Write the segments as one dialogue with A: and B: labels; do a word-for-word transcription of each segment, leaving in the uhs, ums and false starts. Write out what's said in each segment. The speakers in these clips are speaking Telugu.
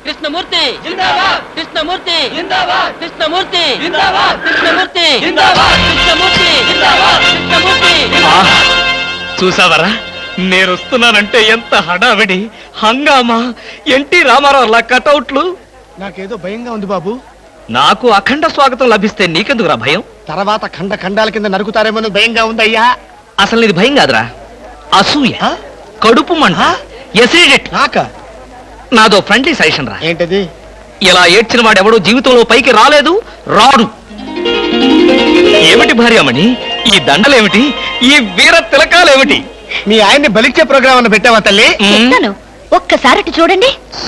A: కృష్ణమూర్తి జిందాబాద్, కృష్ణమూర్తి జిందాబాద్, కృష్ణమూర్తి జిందాబాద్, కృష్ణమూర్తి జిందాబాద్, కృష్ణమూర్తి జిందాబాద్, కృష్ణమూర్తి.
B: చూసావరా, నేను వస్తున్నానంటే ఎంత హడావిడి హంగామా. ఎన్టీ రామారావు కటౌట్లు.
C: నాకేదో భయంగా ఉంది బాబు.
B: నాకు అఖండ స్వాగతం లభిస్తే నీకెందుకురా భయం?
C: తర్వాత ఖండ ఖండాల కింద నరుకుతారేమో భయంగా ఉందయ్యా.
B: అసలు ఇది భయం కాదురా, అసూయ, కడుపు మంట, ఎసిడిటీ.
C: నాక
B: నాదో ఫ్రెండ్లీ సజెషన్ రా.
C: ఏంటది?
B: ఇలా ఏడ్చిన వాడెవడో జీవితంలో పైకి రాలేదు, రాడు. ఏమిటి భార్యామణి ఈ దండలేమిటి, ఈ వీర తిలకాలేమిటి?
C: మీ ఆయన్ని బలిచ్చే ప్రోగ్రామ్ అన్న పెట్టావా తల్లి?
D: ఒక్కసారి చూడండి.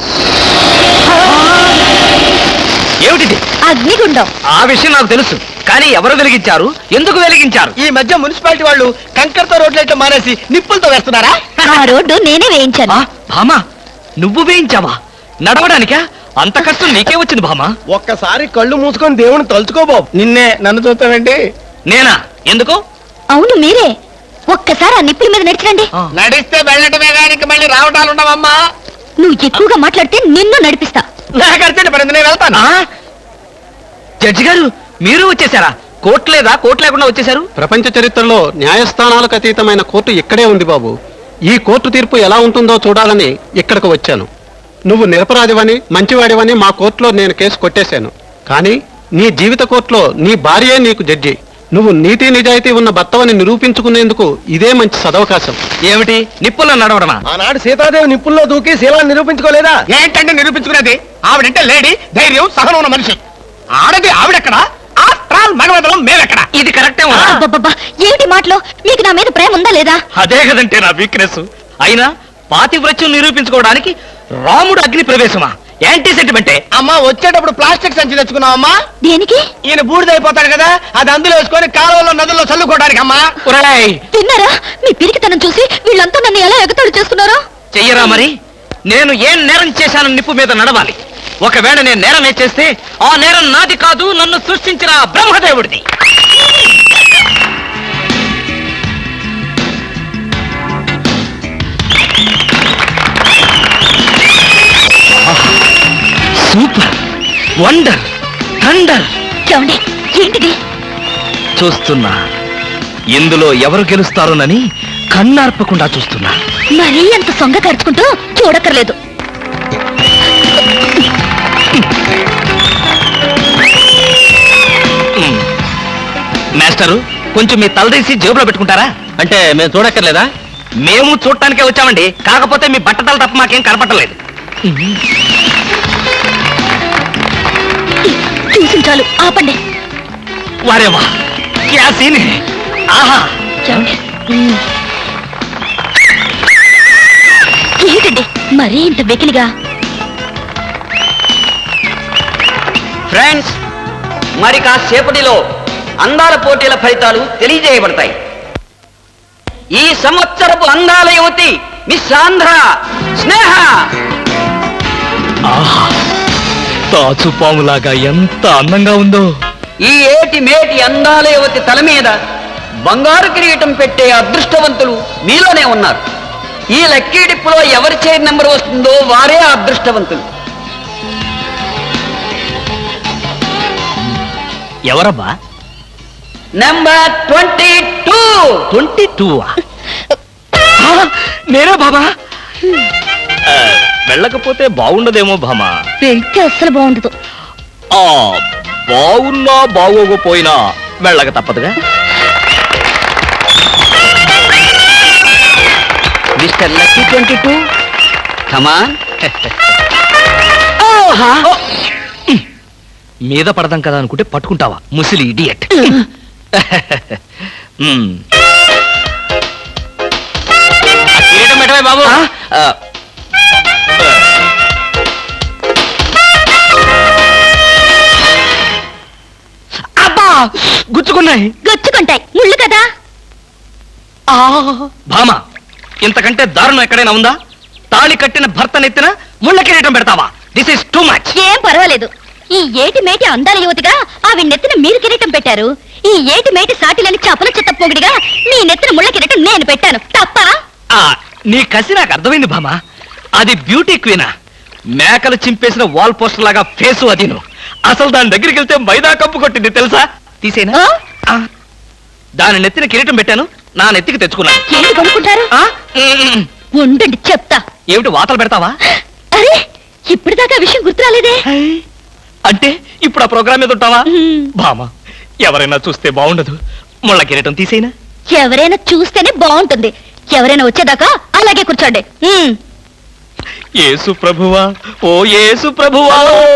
B: ఏమిటిది?
D: అగ్నిగుండం.
B: ఆ విషయం నాకు తెలుసు, కానీ ఎవరు వెలిగించారు, ఎందుకు వెలిగించారు?
C: ఈ మధ్య మున్సిపాలిటీ వాళ్ళు కంకరతో రోడ్లైతే మానేసి నిప్పులతో వేస్తున్నారా?
D: ఆ రోడ్డు నేనే వేయించాను.
B: భామా, నువ్వు వేయించావా? నడవడానికా? అంత కష్టం నీకే వచ్చింది భామా.
C: ఒక్కసారి కళ్ళు మూసుకొని దేవుని తలుచుకో బాబు. నిన్నే, నన్ను చూస్తావేంటి?
B: నేనా? ఎందుకు?
D: అవును మీరే. ఒక్కసారి ఆ నిప్పుల మీద నడిచండి.
C: నడిస్తే వెళ్ళటమే కానీ మళ్ళీ రావటాలు ఉండవమ్మా.
D: నువ్వు ఎక్కువగా మాట్లాడితే నిన్ను నడిపిస్తా.
C: నాకు అర్జెంట్ పడింది, నేను వెళ్తాను.
B: జడ్జి గారు, మీరు వచ్చేసారా? కోర్టు లేదా? కోర్టు లేకుండా వచ్చేసారు?
E: ప్రపంచ చరిత్రలో న్యాయస్థానాలకు అతీతమైన కోర్టు ఇక్కడే ఉంది బాబు. ఈ కోర్టు తీర్పు ఎలా ఉంటుందో చూడాలని ఇక్కడికి వచ్చాను. నువ్వు నిరపరాధివని, మంచివాడివని మా కోర్టులో నేను కేసు కొట్టేశాను. కానీ నీ జీవిత కోర్టులో నీ భార్యే నీకు జడ్జి. నువ్వు నీతి నిజాయితీ ఉన్న భర్తవని నిరూపించుకునేందుకు ఇదే మంచి సదవకాశం.
B: ఏమిటి, నిప్పుల్లో నడవడమా?
C: ఆనాడు సీతాదేవి నిప్పుల్లో దూకి శీలాన్ని నిరూపించుకోలేదా? ఏంటంటే నిరూపించుకునేది? ఆవిడంటే లేడీ, ధైర్యం, సహనం ఉన్న మనిషి. ఆడది ఆవిడెక్కడ, ఆఫ్టర్ ఆల్ మగవదలం మేమెక్కడ?
B: ఇది కరెక్టే.
D: అబ్బబ్బబ్బా, ఏమిటి మాటలో? మీకు నా మీద ప్రేమ ఉందా లేదా?
B: అదే కదంటే నా వీక్నెస్. అయినా పాతివ్రత్యం నిరూపించుకోవడానికి రాముడు అగ్ని ప్రవేశమా? యాంటీ సెంటిమెంటే.
C: అమ్మా, వచ్చేటప్పుడు ప్లాస్టిక్ సంచి తెచ్చుకున్నావమ్మా.
D: దేనికి?
C: ఈయన బూడిదైపోతాడు కదా, అది అందులో వేసుకొని కాలువలో నదుల్లో చల్లుకోవడానికి. అమ్మా
D: తిన్నారా? మీ పిరికితనం చూసి వీళ్ళంతా నన్ను ఎలా ఎగతాడు చేస్తున్నారో.
B: చెయ్యరా మరి? నేను ఏం నేరం చేశానని నిప్పు మీద నడవాలి. ఒకవేళ నేను నేరం చేస్తే ఆ నేరం నాది కాదు, నన్ను సృష్టించిన బ్రహ్మదేవుడిది. Super, wonder, thunder.
D: చూడండి, ఏంటిది?
B: చూస్తున్నా. ఇందులో ఎవరు గెలుస్తారోనని కన్నార్పకుండా చూస్తున్నా.
D: మరీ అంత సొంగ ఖర్చుకుంటూ చూడక్కర్లేదు.
B: మాస్టరు, కొంచెం మీ తలదీసి జేబులో పెట్టుకుంటారా?
E: అంటే మేము చూడక్కర్లేదా?
B: మేము చూడటానికే వచ్చామండి, కాకపోతే మీ బట్టతల తప్ప మాకేం కనపట్టలేదు.
D: చూసి చాలు, ఆపండి.
B: వారేవా, క్యా సీన్ హై. ఆహా,
D: ఏంటండి మరీ ఇంత వెకిలిగా?
A: ఫ్రెండ్స్, మరి కాసేపటిలో అందాల పోటీల ఫలితాలు తెలియజేయబడతాయి. ఈ సంవత్సరపు అందాల యువతి మిస్ ఆంధ్ర స్నేహ.
B: ఆహా, తాచుపాములాగా ఎంత అందంగా ఉందో.
A: ఈ ఏటి మేటి అందాల యువతి తల మీద బంగారు కిరీటం పెట్టే అదృష్టవంతులు మీలోనే ఉన్నారు. ఈ లక్కీ డిప్పులో ఎవరి చైర్ నెంబర్ వస్తుందో వారే ఆ అదృష్టవంతులు.
B: ఎవరబ్బా?
A: Number twenty two.
B: Twenty two నేనే బాబా. వెళ్ళకపోతే బాగుండదేమో భామా.
D: వెళ్తే అస్సలు బాగుండదు.
B: ఆ బాగున్నా బాగోకపోయినా వెళ్ళక తప్పదుగా.
A: Mister lucky twenty two, come on.
B: మీద పడదాం కదా అనుకుంటే పట్టుకుంటావా ముసిలి ఇడియట్. బాబు, అబ్బా, గుచ్చుకున్నాయి.
D: గుచ్చుకుంటాయి, ముళ్ళు కదా.
B: భామ, ఇంతకంటే దారుణం ఎక్కడైనా ఉందా? తాళి కట్టిన భర్త నెత్తిన ముళ్ళ కిరీటం పెడతావా? This is too much.
D: ఏం పర్వాలేదు. ఈ ఏటి మేటి అందాల యువతిగా ఆవి నెత్తిన మీరు కిరీటం పెట్టారు. ఈ ఏటి మేటి సాటిలని చపల చెత్త పొగిడిగా మీ నెత్తిన ముళ్ళ కిరీటం నేను పెట్టాను. తప్ప?
B: నీ కసి నాకు అర్థమైంది భామ. అది బ్యూటీ క్వీనా? మేకలు చింపేసిన వాల్ పోస్టర్ లాగా ఫేసు అది నువ్వు. అసలు దాని దగ్గరికి వెళ్తే మైదా కప్పు కొట్టింది తెలుసా? తీసేనా?
D: ఆ?
B: ఆ. దాని నెత్తిన కిరీటం పెట్టాను, నా నెత్తికి తెచ్చుకున్నాను.
D: ఏంటి కొనుక్కుంటారు?
B: ఆ? ఉమ్.
D: ఉండండి చెప్తా.
B: ఏమిటి వాతలు పెడతావా?
D: అరే ఇప్పటిదాకా విషయం గుర్తురాలేదే.
B: అంటే ఇప్పుడు ఆ ప్రోగ్రామ్ మీద ఉంటావా?
D: ఉమ్.
B: బామా, ఎవరైనా చూస్తే బాగుండదు. ముళ్ళ కిరీటం తీసేనా?
D: ఎవరైనా చూస్తేనే బాగుంటుంది. ఎవరైనా వచ్చేదాకా అలాగే కూర్చోండి. ఉమ్.
B: యేసు ప్రభువా, ఓ యేసు ప్రభువా.